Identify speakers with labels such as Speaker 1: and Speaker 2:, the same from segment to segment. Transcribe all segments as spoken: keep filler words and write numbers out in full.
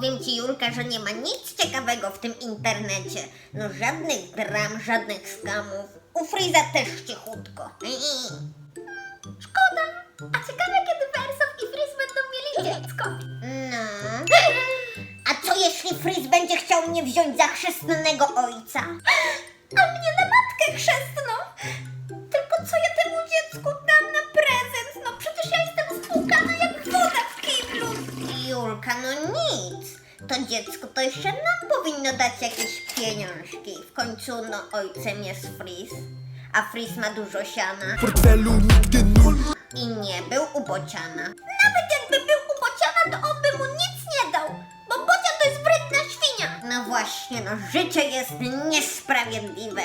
Speaker 1: Powiem ci, Julka, że nie ma nic ciekawego w tym internecie. No żadnych dram, żadnych skamów. U Freeza też cichutko.
Speaker 2: Szkoda. A ciekawe, kiedy Wersow i Freeze będą mieli dziecko.
Speaker 1: No. A co jeśli Freeze będzie chciał mnie wziąć za chrzestnego ojca?
Speaker 2: A mnie na matkę chrzestną. Tylko co ja temu dziecku dam na prezent? No przecież ja jestem spłukana jak woda w kiblu.
Speaker 1: Julka, no nic. To dziecko to jeszcze nam powinno dać jakieś pieniążki. W końcu, no, ojcem jest Freeze. A Freeze ma dużo siana.
Speaker 3: W portfelu nigdy nul.
Speaker 1: I nie był u Bociana.
Speaker 2: Nawet jakby był u Bociana, to on by mu nic nie dał. Bo Bocian to jest wredna świnia.
Speaker 1: No właśnie, no życie jest niesprawiedliwe.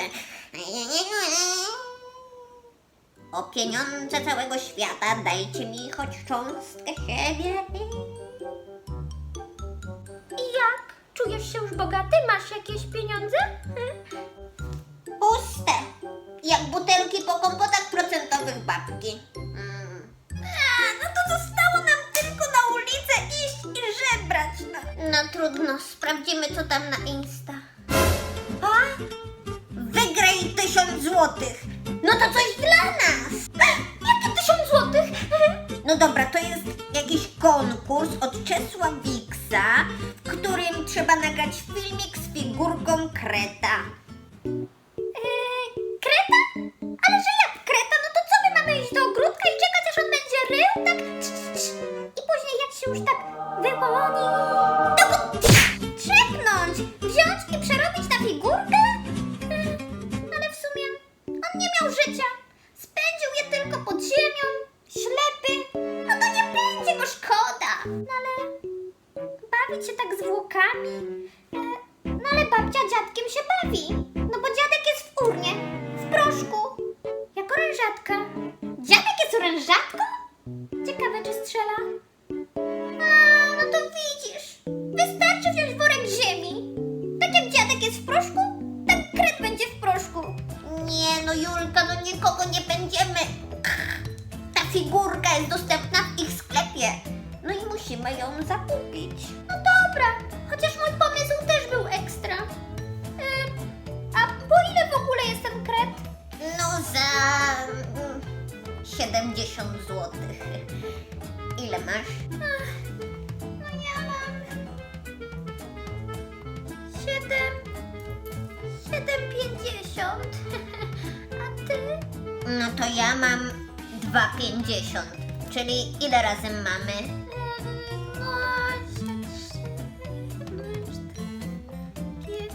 Speaker 1: O pieniądze całego świata dajcie mi choć cząstkę siebie.
Speaker 2: I jak? Czujesz się już bogaty? Masz jakieś pieniądze? Hmm?
Speaker 1: Puste. Jak butelki po kompotach procentowych babki. Mm.
Speaker 2: A, no to zostało nam tylko na ulicę iść i żebrać. No.
Speaker 1: No trudno, sprawdzimy co tam na Insta.
Speaker 2: A?
Speaker 1: Wygraj tysiąc złotych. No to coś dla nas.
Speaker 2: Jakie tysiąc złotych?
Speaker 1: No dobra, to jest jakiś konkurs od Czesła Wiksa, w którym trzeba nagrać filmik z figurką Kreta.
Speaker 2: Eee, kreta? Ale że jak kreta? No to co my mamy iść do ogródka i czekać aż on będzie rył? Tak cz, cz, cz. I później jak się już tak wyłoni, to go trzepnąć, wziąć i przerobić na figurkę? Eee, ale w sumie on nie miał życia. Spędził je tylko pod ziemią, ślepy. No to nie będzie go szkoda. No ale bawić się tak zwłokami? Eee, no ale babcia dziadkiem się bawi. No bo dziadek jest w urnie, w proszku, jak orężatka. Dziadek jest orężatką? Ciekawe, czy strzela. A, no to widzisz. Wystarczy wziąć worek ziemi. Tak jak dziadek jest w proszku, tak kret będzie w proszku.
Speaker 1: Nie no Julka, no nikogo nie będziemy. Ta figurka jest dostępna w ich sklepie. No i musimy ją zakupić.
Speaker 2: No dobra, chociaż mój pomysł też był ekstra. Yy, a po ile w ogóle jest ten kret?
Speaker 1: No za mm, siedemdziesiąt złotych. Ile masz?
Speaker 2: Ach, no ja mam siedem, siedem pięćdziesiąt. A ty?
Speaker 1: No to ja mam dwa pięćdziesiąt. Czyli ile razem mamy?
Speaker 2: Ym, no, trzy, cztery,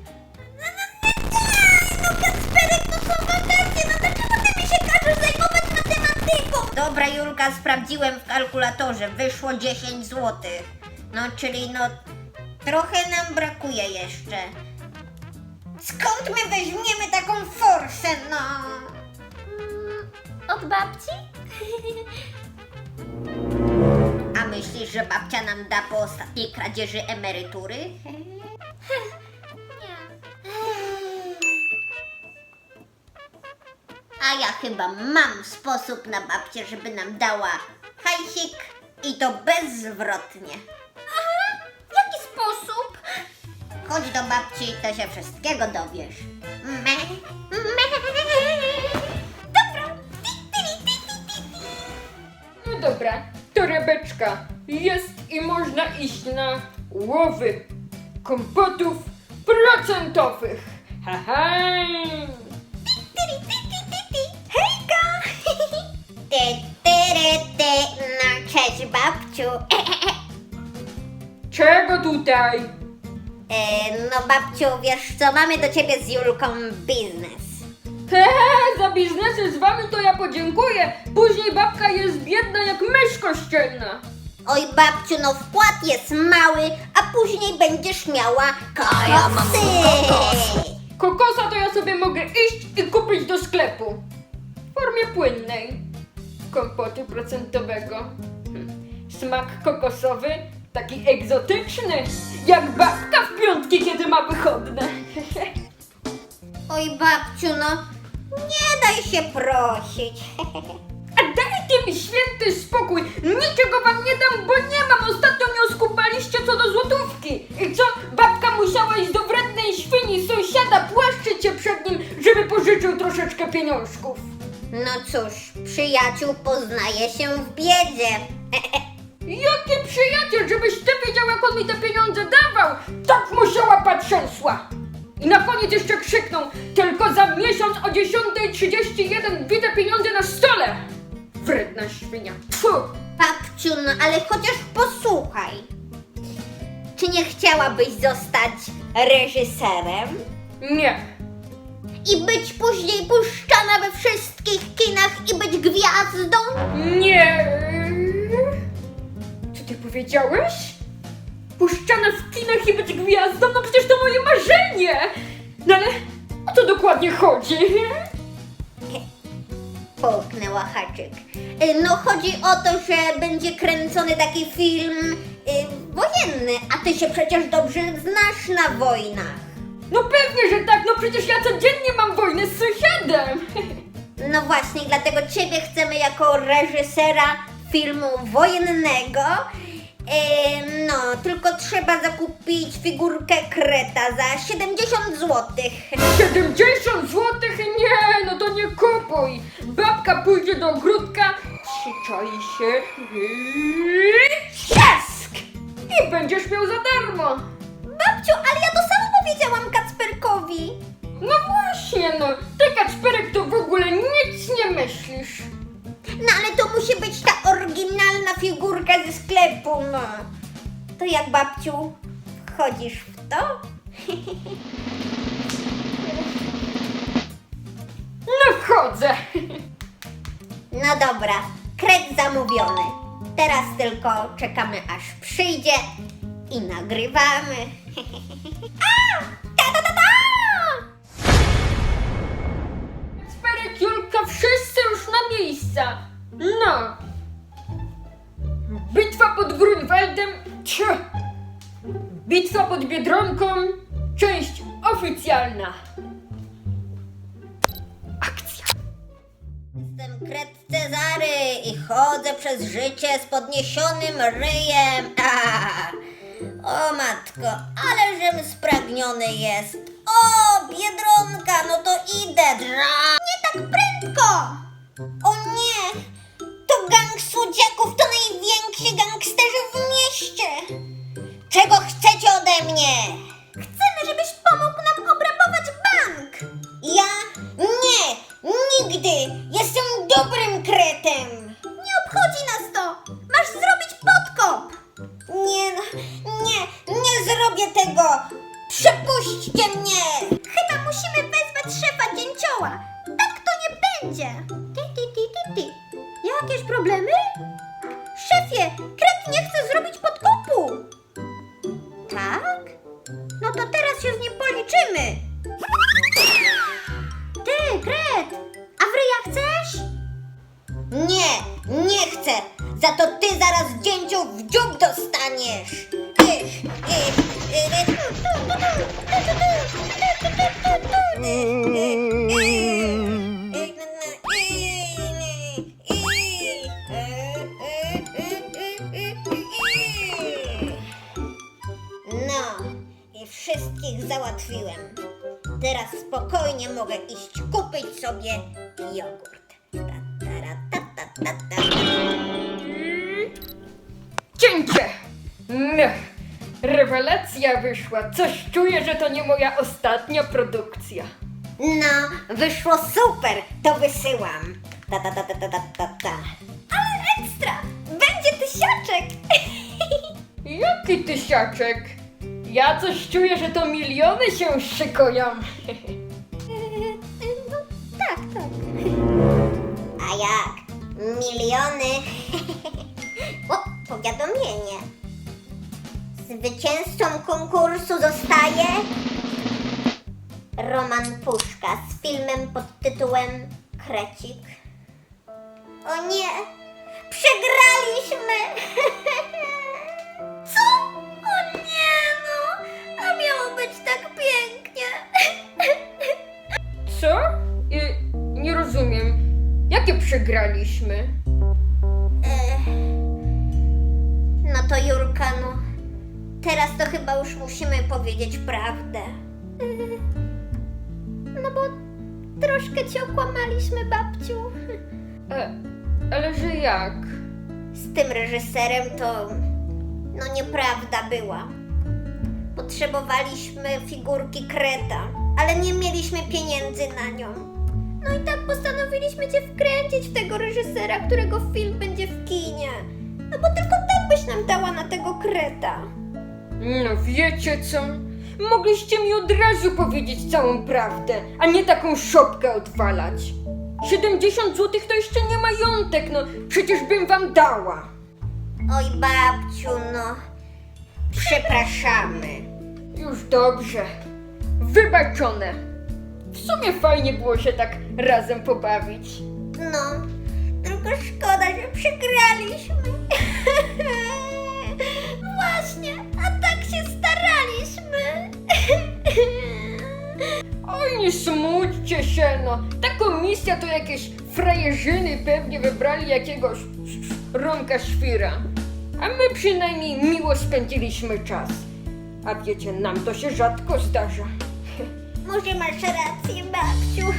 Speaker 2: no Kacperek, no są wakacje, no dlaczego ty mi się każesz zajmować matematyką?
Speaker 1: Dobra Julka, sprawdziłem w kalkulatorze. Wyszło dziesięć złotych. No czyli no trochę nam brakuje jeszcze. Skąd my weźmiemy taką forsę, no?
Speaker 2: Mm, od babci?
Speaker 1: A myślisz, że babcia nam da po ostatniej kradzieży emerytury?
Speaker 2: Nie.
Speaker 1: A ja chyba mam sposób na babcię, żeby nam dała hajsik i to bezzwrotnie.
Speaker 2: Aha, jaki sposób?
Speaker 1: Chodź do babci, to się wszystkiego dowiesz. Me,
Speaker 2: Dobra.
Speaker 4: No dobra, torebeczka jest i można iść na łowy kompotów procentowych. Haha!
Speaker 2: Hejka!
Speaker 1: Ty, ty, ty, no cześć babciu.
Speaker 4: Czego tutaj?
Speaker 1: E, no babciu, wiesz co, mamy do ciebie z Julką biznes.
Speaker 4: Hehe, za biznesy z wami to ja podziękuję. Później babka jest biedna jak mysz kościelna.
Speaker 1: Oj babciu, no wkład jest mały, a później będziesz miała kokosy.
Speaker 4: Kokosa to ja sobie mogę iść i kupić do sklepu. W formie płynnej. Kompotu procentowego. Hm. Smak kokosowy, taki egzotyczny. Jak babka w piątki, kiedy ma wychodne.
Speaker 1: Oj babciu, no nie daj się prosić.
Speaker 4: A dajcie mi święty spokój. Niczego wam nie dam, bo nie mam. Ostatnio mnie oskubaliście co do złotówki. pożyczył troszeczkę pieniążków.
Speaker 1: No cóż, przyjaciół poznaje się w biedzie.
Speaker 4: Jaki przyjaciel, żebyś ty wiedział, jak on mi te pieniądze dawał! Tak mu się łapa trzęsła! I na koniec jeszcze krzyknął, tylko za miesiąc o dziesiąta trzydzieści jeden widzę pieniądze na stole! Wredna świnia, tfu!
Speaker 1: Babciu, no ale chociaż posłuchaj. Czy nie chciałabyś zostać reżyserem?
Speaker 4: Nie,
Speaker 1: I być później puszczana we wszystkich kinach i być gwiazdą?
Speaker 4: nie... Co ty powiedziałeś? Puszczana w kinach i być gwiazdą? No przecież to moje marzenie! No ale o co dokładnie chodzi?
Speaker 1: Połknęła haczyk. Y, No chodzi o to, że będzie kręcony taki film y, wojenny, a ty się przecież dobrze znasz na wojnach.
Speaker 4: No pewnie, że tak, no przecież ja codziennie mam wojnę z sąsiadem!
Speaker 1: No właśnie, dlatego ciebie chcemy jako reżysera filmu wojennego. Y, no, tylko trzeba zakupić figurkę Kreta za siedemdziesiąt złotych.
Speaker 4: siedemdziesiąt złotych? Nie, no to nie kupuj! Babka pójdzie do ogródka, przyczai się i trzask! I będziesz miał za darmo!
Speaker 1: Babciu, ale ja to samo powiedziałam Kacperkowi.
Speaker 4: No właśnie, no, ty Kacperek to w ogóle nic nie myślisz.
Speaker 1: No ale to musi być ta oryginalna figurka ze sklepu, no. To jak, babciu, wchodzisz w to?
Speaker 4: No wchodzę!
Speaker 1: No dobra, kret zamówiony. Teraz tylko czekamy, aż przyjdzie i nagrywamy. A! Ta, ta, ta, ta!
Speaker 4: Kacperek, Julka, wszyscy już na miejsca! No! Bitwa pod Grunwaldem, tch. Bitwa pod Biedronką, część oficjalna. Akcja!
Speaker 1: Jestem kret Cezary i chodzę przez życie z podniesionym ryjem. A! O matko, ależem spragniony jest. O, Biedronka, no to idę. Dra! Nie tak prędko! O nie! To gang słodziaków to najwięksi gangsterzy w mieście! Czego chcecie ode mnie? Chcemy, żebyś pomógł nam obrabować bank! Ja? Nie! Nigdy! Jestem dobrym kretem! Nie obchodzi nas to! Masz zrobić podkop! Nie, no, nie, nie zrobię tego! Przepuśćcie mnie! Chyba musimy wezwać szefa dzięcioła! Tak to nie będzie! Ty, ty, ty, ty, ty. Jakieś problemy? Szefie, kret nie chce zrobić podkopu! Tak? No to teraz się z nim policzymy! Ty, kret! A wryja chcesz? Nie, nie chcę! Za to ty zaraz dzięciu w dziób dostaniesz! Ich, ich, ich, No, i wszystkich załatwiłem. Teraz spokojnie mogę iść kupić sobie jogurt. Ta, tara, ta, ta, ta, ta.
Speaker 4: Cięcie! No, rewelacja wyszła. Coś czuję, że to nie moja ostatnia produkcja.
Speaker 1: No, wyszło super, to wysyłam. Ta, ta, ta, ta, ta, ta, ta, ta. Ale ekstra! Będzie tysiaczek!
Speaker 4: Jaki tysiaczek? Ja coś czuję, że to miliony się szykują.
Speaker 1: No, tak, tak. A jak? Miliony? O, powiadomienie. Zwycięzcą konkursu zostaje Roman Puszka z filmem pod tytułem Krecik. O nie! Przegraliśmy! Co? O nie no! A miało być tak pięknie!
Speaker 4: Co? Y, nie rozumiem. Jakie przegraliśmy?
Speaker 1: Ech. No to Jurka, no. Teraz to chyba już musimy powiedzieć prawdę. No bo
Speaker 2: troszkę cię okłamaliśmy, babciu.
Speaker 4: E, ale że jak?
Speaker 1: Z tym reżyserem to... no nieprawda była. Potrzebowaliśmy figurki Kreta, ale nie mieliśmy pieniędzy na nią.
Speaker 2: No i tak postanowiliśmy cię wkręcić w tego reżysera, którego film będzie w kinie.
Speaker 1: No bo tylko tak byś nam dała na tego Kreta.
Speaker 4: No wiecie co? Mogliście mi od razu powiedzieć całą prawdę, a nie taką szopkę odwalać. siedemdziesiąt złotych to jeszcze nie majątek, no przecież bym wam dała.
Speaker 1: Oj babciu, no... Przepraszamy.
Speaker 4: Już dobrze. Wybaczone. W sumie fajnie było się tak razem pobawić.
Speaker 1: No, tylko szkoda, że przegraliśmy.
Speaker 2: Właśnie, a tak się staraliśmy.
Speaker 4: Oj, nie smućcie się, no. Ta komisja to jakieś frajerzyny pewnie wybrali jakiegoś Romka Świra. A my przynajmniej miło spędziliśmy czas. A wiecie, nam to się rzadko zdarza.
Speaker 1: Może masz rację, babciu.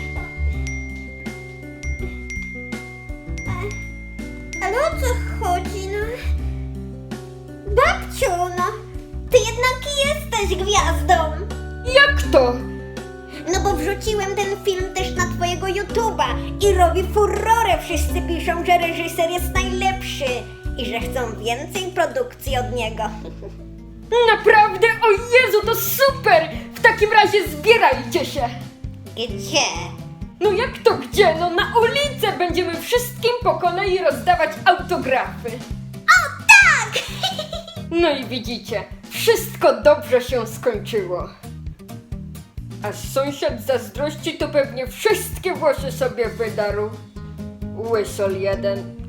Speaker 1: Ale o co chodzi, no? Babciu, no, ty jednak jesteś gwiazdą.
Speaker 4: Jak to?
Speaker 1: No bo wrzuciłem ten film też na twojego YouTube'a i robi furorę. Wszyscy piszą, że reżyser jest najlepszy i że chcą więcej produkcji od niego.
Speaker 4: Naprawdę? O Jezu, to super! W takim razie zbierajcie się!
Speaker 1: Gdzie?
Speaker 4: No jak to gdzie? No na ulicę będziemy wszystkim po kolei rozdawać autografy.
Speaker 1: O tak!
Speaker 4: No i widzicie, wszystko dobrze się skończyło. A sąsiad z zazdrości to pewnie wszystkie włosy sobie wydarł. Łysol jeden.